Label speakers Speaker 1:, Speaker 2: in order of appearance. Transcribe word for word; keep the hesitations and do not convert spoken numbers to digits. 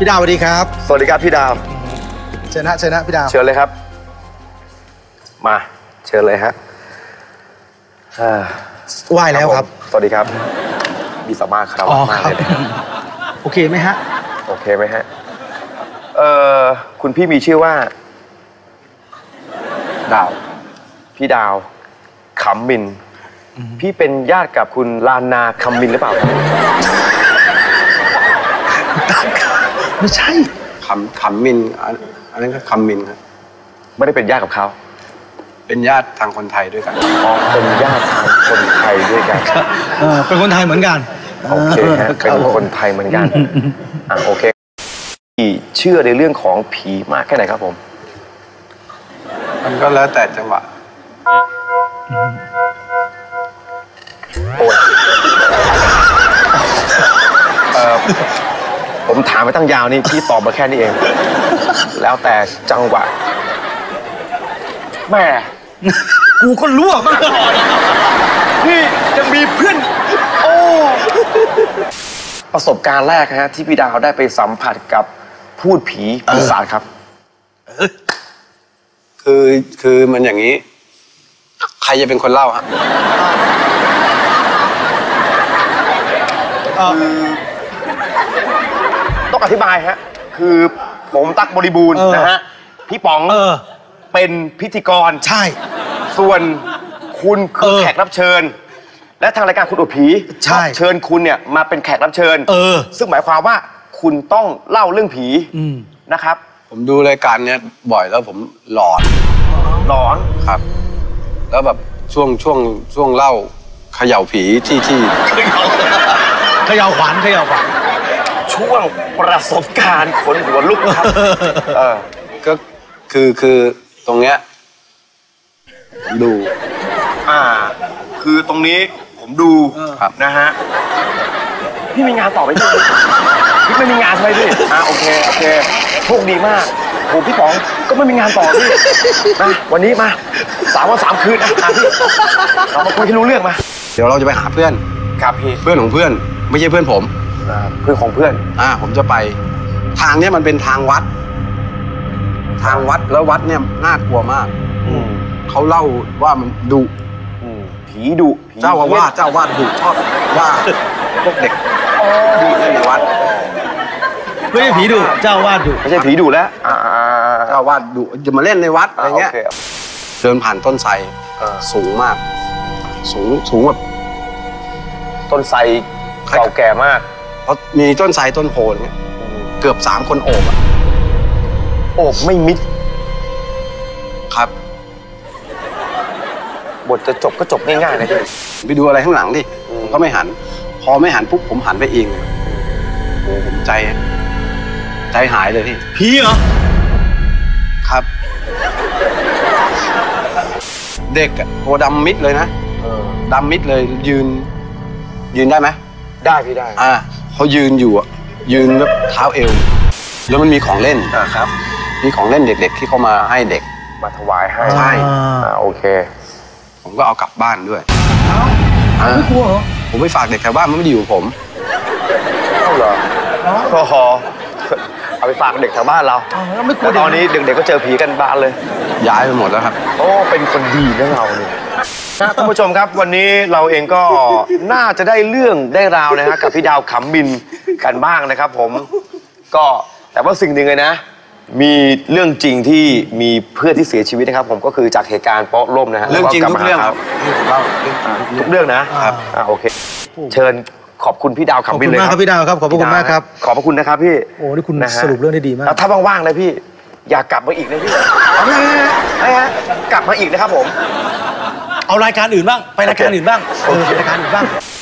Speaker 1: พี่ดาวสวัสดีครับ
Speaker 2: สวัสดีครับพี่ดาว
Speaker 1: เชิญนะเชิญนะพี่ดาว
Speaker 2: เชิญเลยครับมาเชิญเลยฮะ
Speaker 1: ไหว้แล้วครับ
Speaker 2: สวัสดีครับมีสมาคารวะมากเลย
Speaker 1: โอเคไหมฮะ
Speaker 2: โอเคไหมฮะเอ่อคุณพี่มีชื่อว่าดาวพี่ดาวขำมินพี่เป็นญาติกับคุณลานนาคำมินหรือเปล่าครับ
Speaker 1: ไม่ใช่
Speaker 3: ขำขำมินอันนั้นก็คำมินครับ
Speaker 2: ไม่ได้เป็นญาติกับเขา
Speaker 3: เป็นญาติทางคนไทยด้วยกัน
Speaker 2: อ๋อเป็นญาติทางคนไทยด้วยกัน
Speaker 1: เป็นคนไทยเหมือนกัน
Speaker 2: โอเคฮะเป็นคนไทยเหมือนกันอ่ะโอเคพี่เชื่อในเรื่องของผีมากแค่ไหนครับผม
Speaker 3: มันก็แล้วแต่จังหวะ
Speaker 2: โอ้ยเอ่อผมถามไปตั้งยาวนี่พี่ตอบมาแค่นี้เองแล้วแต่จังหวะแม่
Speaker 1: กูก็รู้อ่ะมาก่อน
Speaker 2: พี่ยังมีเพื่อนโอ้ประสบการณ์แรกฮะที่พี่ดาวได้ไปสัมผัสกับพูดผีปีศาจครับ
Speaker 3: คือคือมันอย่างนี้ใครจะเป็นคนเล่าฮะ
Speaker 2: ต้องอธิบายฮะคือผมตั๊กบริบูรณ์นะฮะพี่ป๋องเป็นพิธีกร
Speaker 1: ใช่
Speaker 2: ส่วนคุณคือแขกรับเชิญและทางรายการคุณอุผี
Speaker 1: ใช่
Speaker 2: เชิญคุณเนี่ยมาเป็นแขกรับเชิญ
Speaker 1: เออ
Speaker 2: ซึ่งหมายความว่าคุณต้องเล่าเรื่องผีนะครับ
Speaker 3: ผมดูรายการเนี้ยบ่อยแล้วผมหลอน
Speaker 2: หลอน
Speaker 3: ครับแล้วแบบช่วงช่วงช่วงเล่าเขย่าผีที่ที่
Speaker 1: เขย่าขวัญเขย่าขวัญ
Speaker 2: ช่วงประสบการณ์ขนหัวลุกครับเออ
Speaker 3: ก็คือคือตรงเนี้ยดู
Speaker 2: อ่าคือตรงนี้ผมดูนะฮะพี่มีงานต่อไหมพี่พี่ไม่มีงานใช่ไหมพี่อ่าโอเคโอเคโชคดีมากโหพี่ป๋องก็ไม่มีงานต่อพี่มาวันนี้มาสามวันสามคืนนะพี่เรามาคุยให้รู้เรื่องมา
Speaker 3: เดี๋ยวเราจะไปหาเพื่อน
Speaker 2: ครับพี่
Speaker 3: เพื่อนของเพื่อนไม่ใช่เพื่อนผม
Speaker 2: เพื่อนของเพื่อน
Speaker 3: อ่าผมจะไปทางเนี้ยมันเป็นทางวัดทางวัดแล้ววัดเนี่ยน่ากลัวมากเขาเล่าว่ามันดุ
Speaker 2: ผีดุ
Speaker 3: เจ้าอาวาสเจ้าอาวาสดุชอบว่าพวกเด็กดุในวัด
Speaker 1: ไม่ใช่ผีดุเจ้าอาวาสดุ
Speaker 2: ไม่ใช่ผีดุแล้ว
Speaker 3: เจ้าอาวาสดุจะมาเล่นในวัดอะไรเงี้ยเดินผ่านต้นไทรสูงมากสูงสูงแบบ
Speaker 2: ต้นไทรเก่าแก่มาก
Speaker 3: เพราะมีต้นไทรต้นโพนเนี่ยเกือบสามคนโอบอะ
Speaker 2: โอบไม่มิด
Speaker 3: ครับ
Speaker 2: บทจะจบก็จบง่ายๆนะพี่
Speaker 3: ไปดูอะไรข้างหลังดิผมก็ไม่หันพอไม่หันปุ๊บผมหันไปเองเลยโอ้ผมใจใจหายเลยพี่
Speaker 1: ผีเหรอ
Speaker 3: ครับเด็กอะตัวดำมิดเลยนะดำมิดเลยยืนยืนได้ไหม
Speaker 2: ได้พี่ได้
Speaker 3: อ่าเขายืนอยู่อะยืนแบบเท้าเอวแล้วมันมีของเล่น
Speaker 2: อ่าครับ
Speaker 3: มีของเล่นเด็กๆที่เขามาให้เด็ก
Speaker 2: มาถวายให้
Speaker 3: ใช่
Speaker 2: อ่าโอเค
Speaker 3: ผมก็เอากลับบ้านด้วย
Speaker 1: ไม่กลัวเหรอ
Speaker 3: ผมไปฝากเด็กแถวบ้านมันไม่ได้อยู่กับผม
Speaker 2: เอ้าเหรอก็หอเอาไปฝากเด็กแถวบ้านเราแล้วตอนนี้เด็กๆก็เจอผีกันบ้านเลย
Speaker 3: ย้ายไปหมดแล้วครับ
Speaker 2: โอ้เป็นคนดีนะเราเนี่ยท่านผู้ชมครับวันนี้เราเองก็น่าจะได้เรื่องได้ราวนะฮะกับพี่ดาวขำบินกันบ้างนะครับผมก็แต่ว่าสิ่งหนึ่งเลยนะมีเรื่องจริงที่มีเพื่อนที่เสียชีวิตนะครับผมก็คือจากเหตุการณ์โป๊ะล่มนะฮะ
Speaker 3: เรื่องจริงทุกเรื่องครับ
Speaker 2: ทุกเรื่องนะครับอ่าโอเคเชิญขอบคุณพี่ดาวขำบินเลย
Speaker 1: ครับพี่ดาวครับขอบคุณมากครับ
Speaker 2: ขอบพระคุณนะครับพี่
Speaker 1: โอ้นี่คุณสรุปเรื่องได้ดีมาก
Speaker 2: ถ้าว่างๆเลยพี่อยากกลับมาอีกนะพี่ไม่ฮะกลับมาอีกนะครับผม
Speaker 1: เอารายการอื่นบ้างไปรายการอื่นบ้างเออรายการอื่นบ้าง